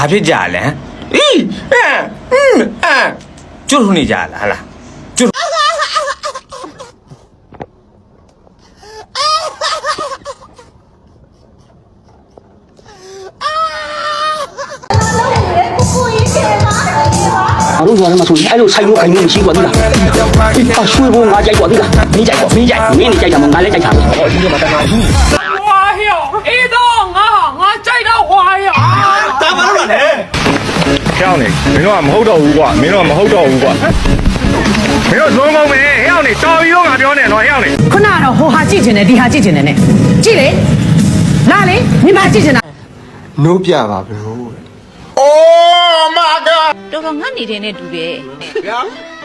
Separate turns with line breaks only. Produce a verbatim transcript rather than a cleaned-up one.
ဘာဖြစ်ကြလဲအီးအဲအင်းအဲကျွတ်ထုံနေကြလားဟလားကျွတ်
我都说他妈说你爱肉菜肉肯定没习惯的了，啊，水果我摘过的了，你摘过没摘？没你摘什么？俺来摘啥子？
花呀，一到我我摘到花呀，
打完了呢。
跳你，မင်းတို့ကမဟုတ်တော့ဘူးကွာမင်းတို့ကမဟုတ်တော့ဘူးကွာမင်းတို့ဇုံမုံပဲဟဲ့အောင်နေတော်ပြီးတော့ငါပြောနေတော့ဟဲ့အောင်နေ
ခုနကတော့ဟိုဟာကြည့်ချင်တယ်ဒီဟာကြည့်ချင်တယ်နဲ့ကြည့်လေလာလေမိမကြည့်ချင်တာ
နိုးပြပါဘယ်လို
Oh my god
တော်တော်ငတ်နေတဲ့နဲ့တူတယ်
ဗျာ